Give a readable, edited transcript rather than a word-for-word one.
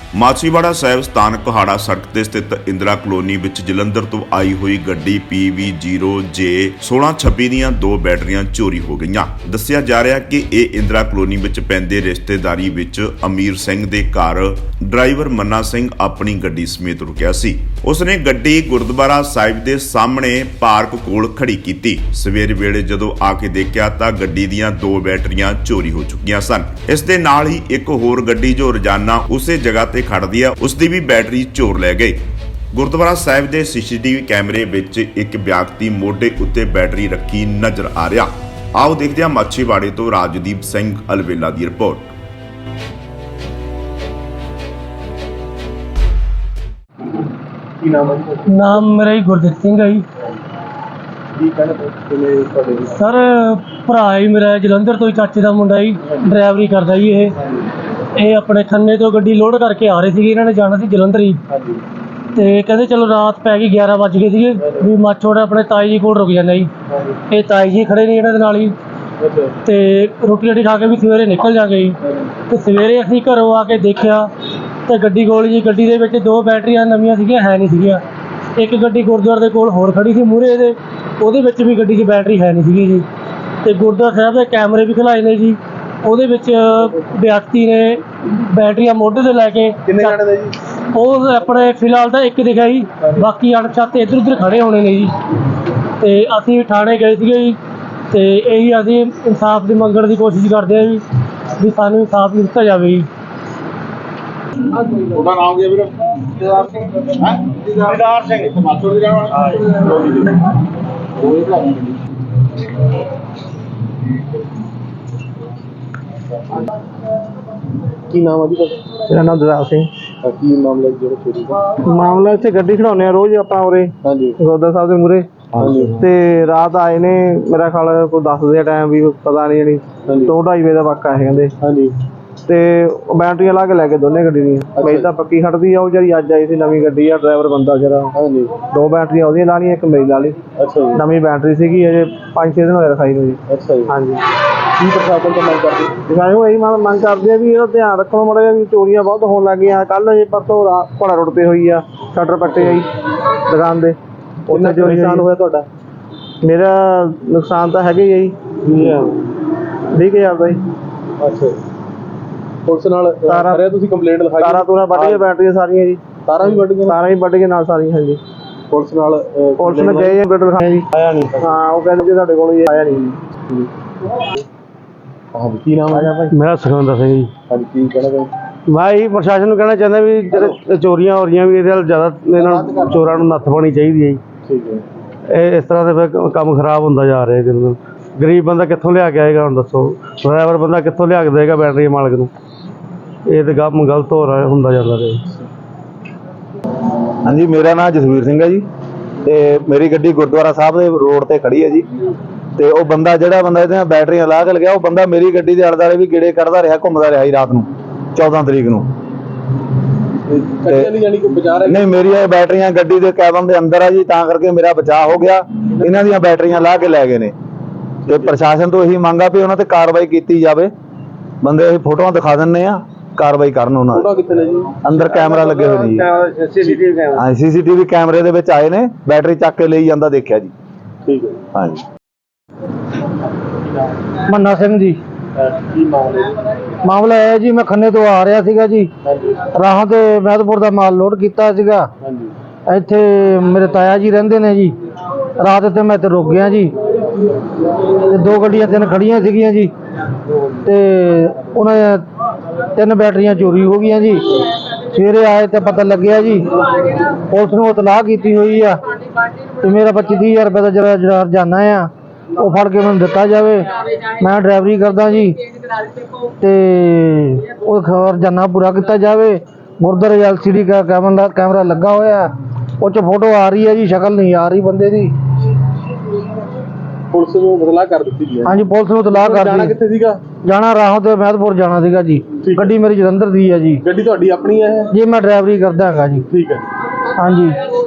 ਮਾਛੀਵਾੜਾ ਸਾਹਿਬ ਸਥਾਨਕ ਕੋਹਾੜਾ ਸੜਕ ਤੇ ਸਥਿਤ ਇੰਦਰਾ ਕਲੋਨੀ ਵਿੱਚ ਜਲੰਧਰ ਤੋਂ ਆਈ ਹੋਈ ਗੱਡੀ PV0J 1626 ਦੀਆਂ 2 ਬੈਟਰੀਆਂ ਚੋਰੀ ਹੋ ਗਈਆਂ। ਦੱਸਿਆ ਜਾ ਰਿਹਾ ਕਿ ਇਹ ਇੰਦਰਾ ਕਲੋਨੀ ਵਿੱਚ ਪੈਂਦੇ ਰਿਸ਼ਤੇਦਾਰੀ ਵਿੱਚ ਅਮੀਰ ਸਿੰਘ ਦੇ ਘਰ ਡਰਾਈਵਰ ਮੰਨਾ ਸਿੰਘ ਆਪਣੀ ਗੱਡੀ ਸਮੇਤ ਰੁਕਿਆ ਸੀ। ਉਸਨੇ ਗੱਡੀ ਗੁਰਦੁਆਰਾ ਸਾਹਿਬ ਦੇ ਸਾਹਮਣੇ ਪਾਰਕ ਕੋਲ ਖੜੀ ਕੀਤੀ। ਸਵੇਰ ਵੇਲੇ ਜਦੋਂ ਆ ਕੇ ਦੇਖਿਆ ਤਾਂ ਗੱਡੀ ਦੀਆਂ 2 ਬੈਟਰੀਆਂ ਚੋਰੀ ਹੋ ਚੁੱਕੀਆਂ ਸਨ। ਇਸ ਦੇ ਨਾਲ ਹੀ ਇੱਕ ਹੋਰ ਗੱਡੀ ਜੋ ਰੋਜ਼ਾਨਾ ਉਸੇ ਜਗ੍ਹਾ ਤੇ ਖੜਦੀ ਆ ਉਸ ਦੀ ਵੀ ਬੈਟਰੀ ਚੋਰ ਲੈ ਗਏ। ਗੁਰਦੁਆਰਾ ਸਾਹਿਬ ਦੇ CCTV ਕੈਮਰੇ ਵਿੱਚ ਇੱਕ ਵਿਅਕਤੀ ਮੋਢੇ ਉੱਤੇ ਬੈਟਰੀ ਰੱਖੀ ਨਜ਼ਰ ਆ ਰਿਹਾ। ਆਓ ਦੇਖਦੇ ਹਾਂ ਮਾਛੀਵਾੜੇ ਤੋਂ ਰਾਜਦੀਪ ਸਿੰਘ ਅਲਵੇਲਾ ਦੀ ਰਿਪੋਰਟ। ਕੀ ਨਾਮ ਹੈ? ਨਾਮ ਮੇਰਾ ਹੀ ਗੁਰਦੀਪ ਸਿੰਘ ਹੈ ਜੀ। ਕੀ ਕਹਿਣਾ ਤੁਹਾਡੇ ਸਰ ਭਰਾ ਹੀ ਮੇਰਾ ਜਲੰਧਰ ਤੋਂ ਹੀ, ਚਾਚੇ ਦਾ ਮੁੰਡਾ ਜੀ, ਡਰਾਈਵਰੀ ਕਰਦਾ ਜੀ। ਇਹ ਆਪਣੇ ਖੰਨੇ ਤੋਂ ਗੱਡੀ ਲੋਡ ਕਰਕੇ ਆ ਰਹੇ ਸੀਗੇ। ਇਹਨਾਂ ਨੇ ਜਾਣਾ ਸੀ ਜਲੰਧਰ ਹੀ, ਹਾਂਜੀ, ਤੇ ਕਹਿੰਦੇ ਚਲੋ ਰਾਤ ਪੈ ਗਈ, 11 ਵੱਜ ਗਏ ਸੀਗੇ ਵੀ ਮਾਛੋੜਾ ਆਪਣੇ ਤਾਈ ਜੀ ਕੋਲ ਰੁਕ ਜਾਂਦਾ ਜੀ। ਇਹ ਤਾਈ ਜੀ ਖੜੇ ਨੇ ਇਹਨਾਂ ਦੇ ਨਾਲ ਹੀ, ਤੇ ਰੋਟੀ ਰਾਟੀ ਖਾ ਕੇ ਵੀ ਸਵੇਰੇ ਨਿਕਲ ਜਾਂਗੇ ਜੀ। ਤੇ ਸਵੇਰੇ ਅਸੀਂ ਘਰੋਂ ਆ ਕੇ ਦੇਖਿਆ ਤੇ ਗੱਡੀ ਕੋਲ ਜੀ, ਗੱਡੀ ਦੇ ਵਿੱਚ 2 ਬੈਟਰੀਆਂ ਨਵੀਆਂ ਸੀਗੀਆਂ, ਹੈ ਨਹੀਂ ਸੀਗੀਆਂ। ਇੱਕ ਗੱਡੀ ਗੁਰਦੁਆਰੇ ਦੇ ਕੋਲ ਹੋਰ ਖੜੀ ਸੀ ਮੂਹਰੇ ਇਹਦੇ, ਉਹਦੇ ਵਿੱਚ ਵੀ ਗੱਡੀ 'ਚ ਬੈਟਰੀ ਹੈ ਨਹੀਂ ਸੀਗੀ ਜੀ। ਤੇ ਗੁਰਦੁਆਰਾ ਸਾਹਿਬ ਦੇ ਕੈਮਰੇ ਵੀ ਖੁਲਾਏ ਨੇ ਜੀ, ਉਹਦੇ ਵਿੱਚ ਵਿਅਕਤੀ ਨੇ ਬੈਟਰੀਆਂ ਮੋਢੇ ਤੇ ਲੈ ਕੇ। ਕਿੰਨੇ ਜਾਣੇ ਦਾ ਜੀ? ਉਹ ਆਪਣੇ ਫਿਲਹਾਲ ਤਾਂ ਇੱਕ ਦਿਖਿਆ ਜੀ, ਬਾਕੀ ਅਣਪਛਾਤੇ ਇੱਧਰ ਉੱਧਰ ਖੜੇ ਹੋਣੇ ਨੇ ਜੀ। ਤੇ ਅਸੀਂ ਥਾਣੇ ਗਏ ਸੀਗੇ ਜੀ, ਤੇ ਇਹੀ ਅਸੀਂ ਇਨਸਾਫ ਦੀ ਮੰਗਣ ਦੀ ਕੋਸ਼ਿਸ਼ ਕਰਦੇ ਹਾਂ ਜੀ ਵੀ ਸਾਨੂੰ ਇਨਸਾਫ ਦਿੱਤਾ ਜਾਵੇ ਜੀ। ਉਹਦਾ ਨਾਮ ਕੀ ਹੈ ਵੀਰ? ਦਿਦਾਰ ਸਿੰਘ। ਹੈ ਦਿਦਾਰ ਸਿੰਘ। ਮਾਛੋੜ ਦੀ ਰਹਿਣ ਵਾਲਾ। ਉਹ ਇਹ ਭਰਾ ਜੀ। ਕੀ ਨਾਮ ਹੈ ਜੀ ਤੁਹਾਡਾ? ਮੇਰਾ ਨਾਮ ਦਿਦਾਰ ਸਿੰਘ। ਕੀ ਮਾਮਲਾ ਜਿਹੜਾ ਚੋਰੀ ਦਾ? ਮਾਮਲਾ ਇੱਥੇ ਗੱਡੀ ਖੜਾਉਂਦੇ ਆ ਰੋਜ਼ ਆਪਾਂ ਉਰੇ ਹਾਂਜੀ, ਗੁਰਦੁਆਰਾ ਸਾਹਿਬ ਦੇ ਮੂਹਰੇ। ਹਾਂਜੀ, ਤੇ ਰਾਤ ਆਏ ਨੇ, ਮੇਰਾ ਖਿਆਲ ਕੋਈ 10 ਵਜੇ ਟਾਈਮ ਵੀ ਪਤਾ ਨਹੀਂ, ਜਿਹੜੀ 2-2:30 ਵਜੇ ਦਾ ਵਾਕਾ ਹੈ ਕਹਿੰਦੇ। ਹਾਂਜੀ, ਤੇ ਬੈਟਰੀਆਂ ਲਾ ਕੇ ਲੈ ਕੇ ਦੋਨੇ ਗੱਡੀ ਦੀਆਂ। ਮੇਰੀ ਤਾਂ ਪੱਕੀ ਖੜਦੀ ਆ, ਉਹ ਜਿਹੜੀ ਅੱਜ ਆਈ ਸੀ ਨਵੀਂ ਗੱਡੀ ਆ, ਡਰਾਈਵਰ ਬੰਦਾ ਜਿਹੜਾ, ਹਾਂਜੀ। 2 ਬੈਟਰੀਆਂ ਉਹਦੀਆਂ ਲਾ ਲਈਆਂ, ਇੱਕ ਮੇਰੀ ਲਾ ਲਈ। ਅੱਛਾ ਜੀ, ਨਵੀਂ ਬੈਟਰੀ ਸੀਗੀ, ਅਜੇ 5-6 ਦਿਨ ਹੋਏ ਰਖਾਈ ਨੂੰ ਜੀ। ਅੱਛਾ ਜੀ। ਹਾਂਜੀ, ਕੀ ਪ੍ਰਸ਼ਾਸਨ ਤੋਂ ਮੰਗ ਕਰਦੇ? ਦਿਖਾਏ ਇਹੀ ਮੰਗ ਕਰਦੇ ਆ ਵੀ ਇਹਦਾ ਧਿਆਨ ਰੱਖੋ ਮਾੜਾ ਜਿਹਾ, ਵੀ ਚੋਰੀਆਂ ਬਹੁਤ ਹੋਣ ਲੱਗ ਗਈਆਂ। ਕੱਲ੍ਹ ਜੇ ਪਰਸੋਂ ਘੋੜਾ ਰੋਡ ਤੇ ਹੋਈ ਆ, ਸ਼ਟਰ ਪੱਟੇ ਆ ਜੀ ਦੁਕਾਨ ਦੇ, ਉੱਥੇ ਚੋਰੀ ਨੁਕਸਾਨ ਹੋਇਆ ਤੁਹਾਡਾ? ਮੇਰਾ ਨੁਕਸਾਨ ਤਾਂ ਹੈਗਾ ਹੀ ਆ ਜੀ, 20,000 ਦਾ ਜੀ। ਅੱਛਾ, ਪੁਲਿਸ ਨਾਲ ਕਰਿਆ ਤੁਸੀਂ ਕੰਪਲੇਂਟ ਲਿਖਾਈ? ਤਾਰਾਂ ਵੱਢ ਗਈਆਂ, ਬੈਟਰੀਆਂ ਸਾਰੀਆਂ ਜੀ। ਤਾਰਾਂ ਵੀ ਵੱਢ ਗਈਆਂ? ਤਾਰਾਂ ਵੀ ਵੱਢ ਗਈਆਂ ਨਾਲ ਸਾਰੀਆਂ। ਹਾਂਜੀ, ਪੁਲਿਸ ਨਾਲ ਪੁਲਿਸ ਨੇ ਗਏ ਬੇਟਰ ਲਿਖਾਇਆ ਜੀ, ਆਇਆ ਨਹੀਂ। ਹਾਂ, ਉਹ ਕਹਿੰਦੇ ਜੀ ਤੁਹਾਡੇ ਕੋਲ ਹੀ ਆਇਆ ਨਹੀਂ ਜੀ। ਹਾਂ, ਕੀ ਨਾਮ ਹੈ? ਮੇਰਾ ਸੁਖਵਿੰਦਰ ਸਿੰਘ ਜੀ। ਹਾਂਜੀ, ਕੀ ਕਹਿਣਾ ਚਾਹੁੰਦੇ? ਮੈਂ ਇਹੀ ਪ੍ਰਸ਼ਾਸਨ ਨੂੰ ਕਹਿਣਾ ਚਾਹੁੰਦਾ ਵੀ ਜਿਹੜੇ ਚੋਰੀਆਂ ਹੋ ਰਹੀਆਂ ਵੀ ਇਹਦੇ ਨਾਲ ਜ਼ਿਆਦਾ ਇਹਨਾਂ ਚੋਰਾਂ ਨੂੰ ਨੱਥ ਪਾਉਣੀ ਚਾਹੀਦੀ ਹੈ ਜੀ। ਠੀਕ ਹੈ। ਇਹ ਇਸ ਤਰ੍ਹਾਂ ਦੇ ਫਿਰ ਕੰਮ ਖਰਾਬ ਹੁੰਦਾ ਜਾ ਰਿਹਾ ਦਿਨ ਦਿਨ। ਗਰੀਬ ਬੰਦਾ ਕਿੱਥੋਂ ਲਿਆ ਕੇ ਆਏਗਾ ਹੁਣ ਦੱਸੋ? ਡਰਾਈਵਰ ਬੰਦਾ ਕਿੱਥੋਂ ਲਿਆ ਕੇ ਦੇਗਾ ਬੈਟਰੀ ਮਾਲਕ ਨੂੰ? ਇਹ ਤਾਂ ਕੰਮ ਗਲਤ ਹੋ ਰਿਹਾ, ਹੁੰਦਾ ਜਾਂਦਾ ਰਿਹਾ। ਹਾਂਜੀ, ਮੇਰਾ ਨਾਮ ਜਸਵੀਰ ਸਿੰਘ ਹੈ ਜੀ, ਤੇ ਮੇਰੀ ਗੱਡੀ ਗੁਰਦੁਆਰਾ ਸਾਹਿਬ ਦੇ ਰੋਡ ਤੇ ਖੜੀ ਹੈ ਜੀ। ਤੇ ਉਹ ਬੰਦਾ ਜਿਹੜਾ ਬੰਦਾ ਇਹਦੇ ਨਾਲ ਬੈਟਰੀਆਂ ਲਾ ਕੇ ਲਗਿਆ, ਉਹ ਬੰਦਾ ਮੇਰੀ ਗੱਡੀ ਦੇ ਆਲੇ-ਦੁਆਲੇ ਵੀ ਗੇੜੇ ਕੱਢਦਾ ਰਿਹਾ, ਘੁੰਮਦਾ ਰਿਹਾ ਜੀ ਰਾਤ ਨੂੰ 14 ਤਰੀਕ ਨੂੰ। ਨਹੀਂ, ਮੇਰੀਆਂ ਬੈਟਰੀਆਂ ਗੱਡੀ ਦੇ ਕੈਬਨ ਦੇ ਅੰਦਰ ਆ ਜੀ, ਤਾਂ ਕਰਕੇ ਮੇਰਾ ਬਚਾਅ ਹੋ ਗਿਆ। ਇਹਨਾਂ ਦੀਆਂ ਬੈਟਰੀਆਂ ਲਾ ਕੇ ਲੈ ਗਏ ਨੇ। ਤੇ ਪ੍ਰਸ਼ਾਸਨ ਤੋਂ ਇਹੀ ਮੰਗ ਆ ਵੀ ਉਹਨਾਂ ਤੇ ਕਾਰਵਾਈ ਕੀਤੀ ਜਾਵੇ। ਬੰਦੇ ਅਸੀਂ ਫੋਟੋਆਂ ਦਿਖਾ ਦਿੰਨੇ ਆ, ਕਾਰਵਾਈ ਕਰਨ ਉਹਨਾਂ ਦੀ। ਅੰਦਰ ਕੈਮਰਾ ਲੱਗੇ ਹੋਏ ਨੇ ਜੀ। ਹਾਂ, CCTV ਕੈਮਰੇ ਦੇ ਵਿੱਚ ਆਏ ਨੇ, ਬੈਟਰੀ ਚੱਕ ਕੇ ਲਈ ਜਾਂਦਾ ਦੇਖਿਆ ਜੀ। ਠੀਕ ਹੈ। ਹਾਂਜੀ। ਮੰਨਾ ਸਿੰਘ ਜੀ। ਕੀ ਮਾਮਲਾ ਇਹ ਜੀ, ਮੈਂ ਖੰਨੇ ਤੋਂ ਆ ਰਿਹਾ ਸੀਗਾ ਜੀ। ਹਾਂਜੀ, ਰਾਹਾਂ ਤੇ ਮਹਿਦਪੁਰ ਦਾ ਮਾਲ ਲੋਡ ਕੀਤਾ ਸੀਗਾ। ਹਾਂਜੀ, ਇੱਥੇ ਮੇਰੇ ਤਾਇਆ ਜੀ ਰਹਿੰਦੇ ਨੇ ਜੀ। ਰਾਤ ਇੱਥੇ ਮੈਂ ਇੱਥੇ ਰੁਕ ਗਿਆ ਜੀ, ਤੇ 2 ਗੱਡੀਆਂ 3 ਖੜੀਆਂ ਸੀਗੀਆਂ ਜੀ, ਤੇ ਉਹਨਾਂ 3 ਬੈਟਰੀਆਂ ਚੋਰੀ ਹੋ ਗਈਆਂ ਜੀ। ਸਵੇਰੇ ਆਏ ਤੇ ਪਤਾ ਲੱਗਿਆ ਜੀ, ਪੁਲਿਸ ਨੂੰ ਇਤਲਾਹ ਕੀਤੀ ਹੋਈ ਆ, ਤੇ ਮੇਰਾ 25-30 ਹਜ਼ਾਰ ਰੁਪਏ ਦਾ ਜਿਹੜਾ ਹਰਜਾਨਾ ਆ ਉਹ ਫੜ ਕੇ ਮੈਨੂੰ ਦਿੱਤਾ ਜਾਵੇ। ਮੈਂ ਡਰਾਈਵਰੀ ਕਰਦਾ ਜੀ, ਤੇ ਉਹ ਹਰਜਾਨਾ ਪੂਰਾ ਕੀਤਾ ਜਾਵੇ। ਗੁਰਦੁਆਰੇ LCD ਕੈਮਰਾ ਲੱਗਾ ਹੋਇਆ, ਉਹ 'ਚ ਫੋਟੋ ਆ ਰਹੀ ਹੈ ਜੀ, ਸ਼ਕਲ ਨਹੀਂ ਆ ਰਹੀ ਬੰਦੇ ਦੀ। ਪੁਲਿਸ ਨੂੰ ਇਤਲਾਹ ਕਰ ਦਿੱਤੀ ਗਈ? ਹਾਂਜੀ, ਪੁਲਿਸ ਨੂੰ ਇਤਲਾਹ ਕਰ ਜਾਣਾ ਕਿੱਥੇ ਸੀਗਾ? ਜਾਣਾ ਰਾਹੋਂ ਤੇ ਮਹਿਦਪੁਰ ਜਾਣਾ ਸੀਗਾ ਜੀ। ਗੱਡੀ ਮੇਰੀ ਜਲੰਧਰ ਦੀ ਹੈ ਜੀ। ਗੱਡੀ ਤੁਹਾਡੀ ਆਪਣੀ ਹੈ? ਜੀ, ਮੈਂ ਡਰਾਈਵਰੀ ਕਰਦਾ ਹੈਗਾ ਜੀ। ਠੀਕ ਹੈ। ਹਾਂਜੀ।